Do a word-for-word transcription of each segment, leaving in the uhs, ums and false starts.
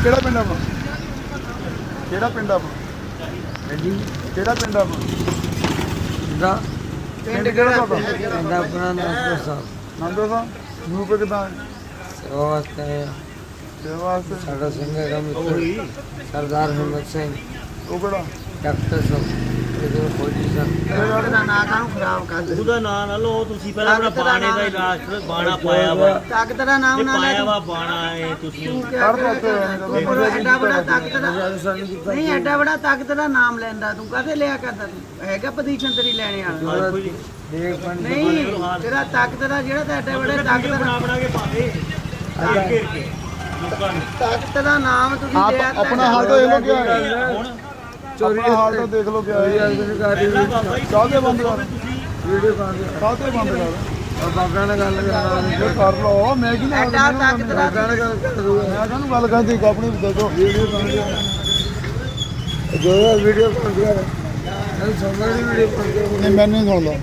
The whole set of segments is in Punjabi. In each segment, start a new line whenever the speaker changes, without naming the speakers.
ਕਿਹੜਾ ਪਿੰਡ ਆਪਣਾ? ਕਿਹੜਾ ਪਿੰਡ ਆਪਣਾ?
ਹਾਂਜੀ
ਕਿਹੜਾ ਪਿੰਡ ਆਪਣਾ?
ਦਾ
ਪਿੰਡ ਕਿਹੜਾ ਤੁਹਾਡਾ?
ਪਿੰਡ ਆਪਣਾ ਨਾਮ ਸਾਹਿਬ
ਨੰਦੋ ਸਾਹਿਬ ਗਰੁੱਪ ਕਿਦਾਂ?
ਸੇਵਾ ਵਾਸਤੇ ਆਏ ਹਾਂ।
ਸੇਵਾ ਵਾਸਤੇ।
ਸਾਡਾ ਸਿੰਘਾਂ ਦਾ ਮਿੱਤਰ ਸਰਦਾਰ ਹਿੰਮਤ ਸਿੰਘ
ਉਹ ਕਿਹੜਾ?
ਡਾਕਟਰ ਸਾਹਿਬ ਇਹਦੇ ਫੌਜੀ ਸਨ।
ਦਾ ਨਾਂ ਕਾਹਨੂੰ ਖਰਾਬ ਕਰਦੇ?
ਉਹਦਾ ਨਾਂ ਨਾ ਲਓ ਤੁਸੀਂ, ਪਹਿਲਾਂ ਆਪਣਾ ਬਾਣੇ ਦਾ ਇਲਾਜ ਕਰੋ। ਬਾਣਾ ਪਾਇਆ ਵਾ,
ਤਾਕਤ ਦਾ ਨਾਮ ਨਾ ਲੈ
ਪਾਇਆ ਵਾ ਬਾਣਾ ਹੈ ਤੁਸੀਂ।
ਹਰ ਪਾਸੇ
ਐਡਾ ਬੜਾ ਤਾਕਤ ਦਾ ਨਹੀਂ, ਐਡਾ ਬੜਾ ਤਾਕਤ ਦਾ ਨਾਮ ਲੈਂਦਾ ਤੂੰ ਕਾਹਦੇ ਲਿਆ ਕਰਦਾ? ਤੂੰ ਹੈਗਾ ਪੋਜੀਸ਼ਨ ਤੇਰੀ ਲੈਣੇ ਵਾਲਾ
ਦੇਖ ਪੰਡ
ਨਹੀਂ, ਤੇਰਾ ਤਾਕਤ ਦਾ ਜਿਹੜਾ ਤਾਂ ਐਡਾ ਬੜਾ ਤਾਕਤ
ਬਣਾ
ਦਾ
ਬਣਾ ਕੇ ਪਾਵੇ ਘੇਰ ਘੇਰ ਕੇ ਲੋਕਾਂ ਨੂੰ।
ਤਾਕਤ ਦਾ ਨਾਮ ਤੁਸੀਂ
ਆਪ
ਲਿਆ
ਆਪਣਾ ਹਾਲ ਤਾਂ ਦੇਖ ਲੋ ਕਿਆ ਹੈ।
ਹੁਣ
ਚੋਰੀ ਹਾਲ ਤਾਂ ਦੇਖ ਲੋ ਕਿਆ ਹੈ।
ਪਹਿਲਾਂ ਬਾਬਾ ਜੀ
ਕਾਹਦੇ ਬੰਦ ਕਰ?
ਵੀਡੀਓ ਪਾ ਦੇ
ਕਾਹਦੇ ਬੰਦ ਕਰ?
ਔਰ ਬਾਬਿਆਂ ਨਾਲ ਗੱਲ ਕਰਾਂਗੇ
ਇਹ ਕਰ ਲੋ। ਮੈਂ ਕੀ ਨਾ
ਐਡਾ ਤਾਕਤ ਦਾ
ਬਾਬਿਆਂ ਨਾਲ ਗੱਲ ਕਰ ਦੂੰਗਾ
ਮੈਂ ਕਾਹਨੂੰ ਗੱਲ ਕਰਦੀ ਆਪਣੀ ਦੱਸੋ। ਵੀਡੀਓ ਬਣ ਗਿਆ
ਜੋ ਵੀਡੀਓ ਪਾ ਦੇ ਇਹ ਸਮਝੀ ਵੀਡੀਓ ਪਾ ਦੇ
ਨਹੀਂ, ਮੈਨੂੰ ਨਹੀਂ ਸੁਣਦਾ।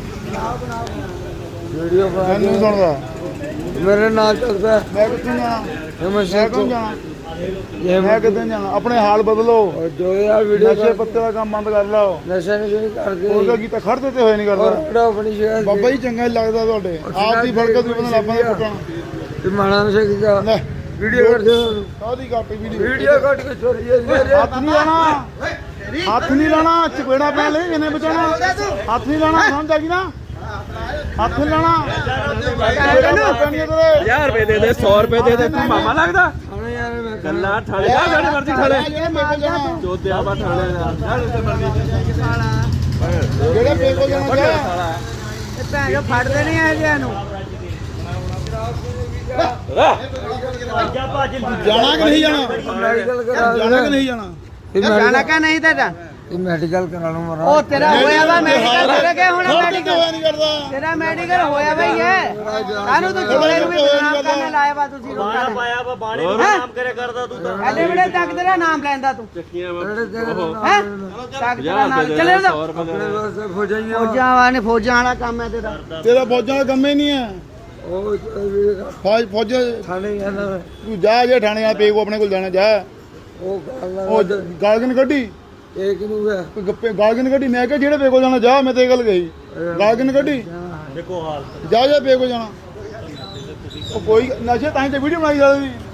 ਵੀਡੀਓ ਪਾ
ਮੈਨੂੰ ਨਹੀਂ ਸੁਣਦਾ।
ਮੇਰੇ ਨਾਲ ਚੱਲਦਾ
ਮੈਂ ਕਿੱਥੇ ਜਾਣਾ?
ਹਿੰਮਤ
ਮੈਂ
ਸਿੰਘ
ਕਿਉਂ ਜਾਣਾ?
ਇਹ
ਮੈਂ ਕਿੱਥੇ ਜਾਣਾ? ਆਪਣੇ ਹਾਲ ਬਦਲੋ।
ਔਰ ਜੋ ਯਾਰ ਵੀਡੀਓ
ਨਸ਼ੇ ਪੱਤੇ ਦਾ ਕੰਮ ਬੰਦ ਕਰ ਲਓ।
ਨਸ਼ਾ ਨਹੀਂ ਕਰਦੇ
ਉਹਦਾ ਕੀਤਾ ਖੜ ਦਿੱਤੇ ਹੋਏ ਨਹੀਂ
ਔਰ
ਕਰਦਾ।
ਕਿਹੜਾ ਆਪਣੀ ਸ਼ਹਿਰ
ਬਾਬਾ ਜੀ ਚੰਗਾ ਹੀ ਲੱਗਦਾ ਤੁਹਾਡੇ। ਆਪ ਦੀ ਫੜਕ ਤੁਸੀਂ ਬੰਦਾ ਲੱਭਾਂ ਦੇ ਪੁੱਟਣਾ।
ਤੇ ਮਾਣਾ ਨਸ਼ਾ ਕੀਤਾ
ਲੈ
ਵੀਡੀਓ ਕਰ ਦਿਓ
ਕਾਹਦੀ ਕਾਪੀ ਵੀਡੀਓ?
ਵੀਡੀਓ ਕੱਟ ਕੇ ਚੋਰੀ ਮੇਰੇ
ਹੱਥ ਨਹੀਂ ਲਾਣਾ। ਹੱਥ ਨਹੀਂ ਲਾਣਾ। ਚਪੇੜਾ ਪੈ ਲੈ ਕਿਨੇ ਬਚਾਉਣਾ। ਹੱਥ ਨਹੀਂ ਲਾਣਾ, ਸਮਝ ਆ ਗਈ ਨਾ? ਹੱਥ ਨਹੀਂ ਲਾਣਾ।
ਹਜ਼ਾਰ ਰੁਪਏ ਦੇ ਦੇ, ਸੌ ਰੁਪਏ ਦੇ ਦੇ, ਤੂੰ ਮਾਮਾ ਲੱਗਦਾ?
ਹਾਂ ਯਾਰ ਮੈਂ
ਗੱਲਾਂ ਠਾਲੇ ਜਾ, ਸਾਡੇ ਮਰਜ਼ੀ ਠਾਲੇ
ਜਿਹੜੇ ਮੇਰੇ ਕੋਲ ਜਾਣਾ।
ਚੋਦਿਆ ਵਾ ਠਾਲੇ ਜਾ, ਸਾਡੇ ਮਰਜ਼ੀ।
ਜਿਹੜੇ ਮੇਰੇ ਕੋਲ ਜਾਣਾ ਜਾ।
ਇਹ ਭੈਣ ਜੋ ਫੜਦੇ ਨਹੀਂ ਇਹ ਜਿਆਂ ਨੂੰ।
ਜਾ ਭੱਜ
ਜਾਣਾ ਕਿ ਨਹੀਂ ਜਾਣਾ?
ਮੈਡੀਕਲ ਕਰਾ
ਜਾਣਾ ਕਿ ਨਹੀਂ ਜਾਣਾ?
ਇਹ
ਜਾਣਾ ਕਾ ਨਹੀਂ ਤੇਰਾ?
ਇਹ ਮੈਡੀਕਲ ਕਰਾ ਲਓ ਮਰਾ
ਉਹ ਤੇਰਾ ਹੋਇਆ ਵਾ ਮੈਡੀਕਲ ਤੇਰਾ ਕਿਆ ਹੋਣਾ
ਹੋਇਆ
ਮੈਡੀਕਲ?
ਨਹੀਂ ਕਰਦਾ।
ਤੇਰਾ ਮੈਡੀਕਲ ਹੋਇਆ ਵਾ ਹੀ ਹੈ। ਕਾਹਨੂੰ ਤੂੰ ਚੋਲੇ ਨੂੰ ਵੀ ਬਦਨਾਮ ਕਰਨ ਲਾਇਆ ਵਾ ਤੁਸੀਂ
ਬਾਣਾ
ਲੋਕਾਂ ਨੇ।
ਪਾਇਆ ਵਾ, ਬਾਣੇ ਨੂੰ ਨਾਮ ਕਰਿਆ ਕਰਦਾ ਤੂੰ ਤਾਂ।
ਐਡੇ ਬੜੇ ਤਾਕਤ ਦਾ ਨਾਮ ਲੈਂਦਾ ਤੂੰ
ਚੱਕੀਆਂ ਵਾ
ਹੈ? ਤਾਕਤ ਦਾ ਨਾਮ ਚੱਲੇ ਉਹਦਾ
ਆਪਣੇ ਵਾਸਤੇ ਫੌਜਾਈਆਂ
ਫੌਜਾਂ ਵਾਲੇ ਫੌਜਾਂ ਵਾਲਾ ਕੰਮ ਹੈ ਤੇਰਾ।
ਤੇਰਾ ਫੌਜਾਂ ਦਾ ਕੰਮ ਹੀ ਨਹੀਂ ਹੈ।
ਉਹ ਵੀਡੀਓ
ਫੌਜ ਫੌਜ
ਥਾਣੇ ਜਾਂਦਾ
ਤੂੰ ਜਾ ਜੇ ਥਾਣੇ ਆ ਪੇਗੋ ਆਪਣੇ ਕੋਲ ਜਾਣਾ ਜਾ।
ਉਹ ਗੱਲ
ਉਹ ਗਾਲਗਨ ਕੱਢੀ
ਇੱਕ ਨੂੰ ਹੈ
ਕੋਈ ਗੱਪੇ ਗਾਲਗਨ ਕੱਢੀ। ਮੈਂ ਕਿਹਾ ਜਿਹੜੇ ਪੇਗੋ ਜਾਣਾ ਜਾ। ਮੈਂ ਤੇ ਇਹ ਗੱਲ ਕਹੀ ਗਾਲਗਨ ਕੱਢੀ।
ਦੇਖੋ ਹਾਲ
ਜਾ ਜਾ ਪੇਗੋ ਜਾਣਾ। ਉਹ ਕੋਈ ਨਸ਼ੇ ਤਾਂ ਹੀ ਤੇ ਵੀਡੀਓ ਬਣਾਈ ਜਾਂਦੀ।